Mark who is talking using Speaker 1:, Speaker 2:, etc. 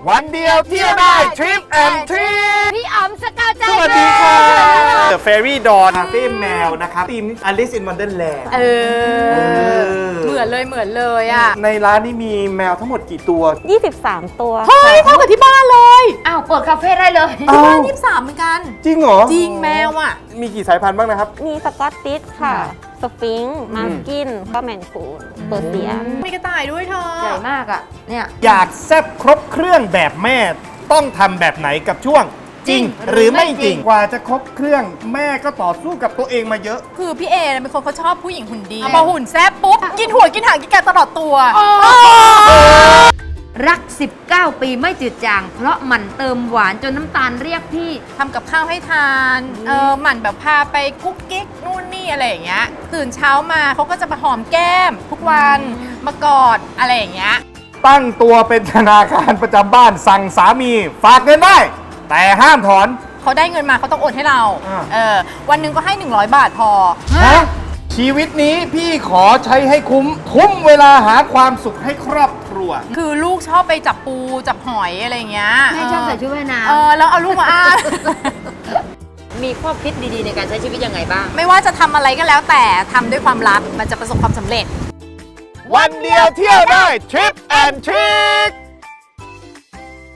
Speaker 1: วันเดียวเที่ยวได้ทริปแอนทริป
Speaker 2: พี่อ๋อมสกาวใจ
Speaker 1: สวัสดีค่ะ The Fairy Dawn คาเฟ่แมวนะครับทีม Alice in Wonderland
Speaker 2: เหมือนเลยอ่ะ
Speaker 1: ในร้านนี้มีแมวทั้งหมดกี่ตัว
Speaker 3: 23 ตัว
Speaker 2: เฮ้ย
Speaker 3: ค่ะ
Speaker 2: เท่ากับที่บ้านเลย
Speaker 4: อ้าวเปิดคาเฟ่ได้เลย
Speaker 2: ที่บ้าน23เหมือนกัน
Speaker 1: จริงเหรอ
Speaker 2: จริงแมวอ่ะ
Speaker 1: มีกี่สายพันธุ์บ้างนะครับ
Speaker 3: มีสกอตติชค่ะ สฟิงค์มาสกินก็แมนคูนเปอร์เซีย
Speaker 2: มีกระต่ายด้วยเธอ
Speaker 4: ใหญ่มากอ่ะ เนี่ย
Speaker 1: อยากแซ่บครบเครื่องแบบแม่ต้องทำแบบไหนกับช่วง จริงหรือไม่จริง กว่าจะครบเครื่องแม่ก็ต่อสู้กับตัวเองมาเยอะ
Speaker 2: คือพี่เอเป็นคนเขาชอบผู้หญิงหุ่นดีพอหุ่นแซ่บปุ๊บ กินหัวกินหางกินแกตลอดตัว
Speaker 4: รัก 19 ปีไม่จืดจาง เพราะหมันเติมหวานจนน้ำตาลเรียกพี่
Speaker 2: ทำกับข้าวให้ทาน หมั่นแบบพาไปกุ๊กกิ๊กนู่นนี่อะไรอย่างเงี้ย ตื่นเช้ามาเขาก็จะมาหอมแก้ม ทุกวันมากอดอะไรอย่างเงี้ย
Speaker 1: ตั้งตัวเป็นธนาคารประจำบ้านสั่งสามีฝากเงินได้ แต่ห้ามถอน
Speaker 2: เขาได้เงินมาเขาต้องโอนให้เรา
Speaker 1: อ่า
Speaker 2: วันหนึ่งก็ให้ 100 บาทพอ
Speaker 1: ฮะชีวิตนี้พี่ขอใช้ให้คุ้มเวลาหาความสุขให้ครอบครัว
Speaker 2: คือลูกชอบไปจับปูจับหอยอะไรอย่างเงี้ย
Speaker 4: แม่ชอบใส่ชุดว่ายน้
Speaker 2: แล้วเอาลูกมาอ้าง
Speaker 4: ำมีข้อคิดดีๆในการใช้ชีวิตยังไงบ้าง
Speaker 2: ไม่ว่าจะทำอะไรก็แล้วแต่ทำด้วยความรักมันจะประสบความสำเร็จ
Speaker 1: วันเดียวเที่ยวได้ทริปแอนทริค